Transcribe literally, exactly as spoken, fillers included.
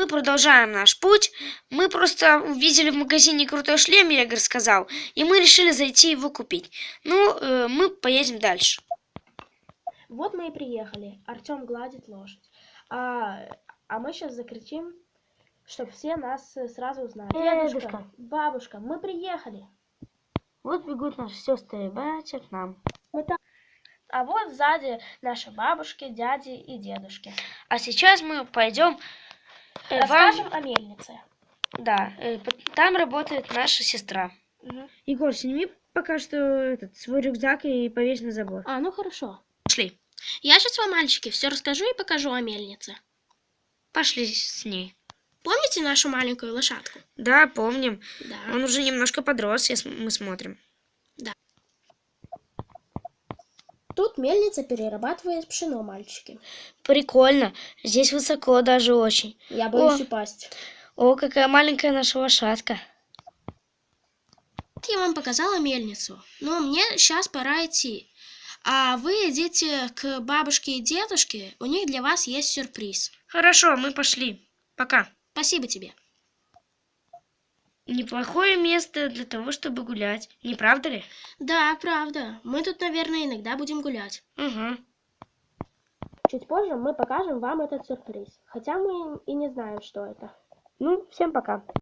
мы продолжаем наш путь. Мы просто увидели в магазине крутой шлем, Егор сказал, и мы решили зайти его купить. Ну, э, мы поедем дальше. Вот мы и приехали. Артем гладит лошадь. А, а мы сейчас закричим, чтобы все нас сразу узнали. Дедушка, Дедушка, бабушка, мы приехали. Вот бегут наши сестры и братья к нам. Мы там. А вот сзади наши бабушки, дяди и дедушки. А сейчас мы пойдем... Э, Расскажем вам... о мельнице. Да, э, там работает наша сестра. Угу. Егор, сними пока что этот свой рюкзак и повесь на забор. А, ну хорошо. Пошли. Я сейчас вам, мальчики, все расскажу и покажу о мельнице. Пошли с ней. Помните нашу маленькую лошадку? Да, помним. Да. Он уже немножко подрос, если мы смотрим. Да. Тут мельница перерабатывает пшено, мальчики. Прикольно. Здесь высоко даже очень. Я боюсь О. упасть. О, какая маленькая наша лошадка. Я вам показала мельницу, но мне сейчас пора идти. А вы идите к бабушке и дедушке, у них для вас есть сюрприз. Хорошо, мы пошли. Пока. Спасибо тебе. Неплохое место для того, чтобы гулять. Не правда ли? Да, правда. Мы тут, наверное, иногда будем гулять. Угу. Чуть позже мы покажем вам этот сюрприз. Хотя мы и не знаем, что это. Ну, всем пока.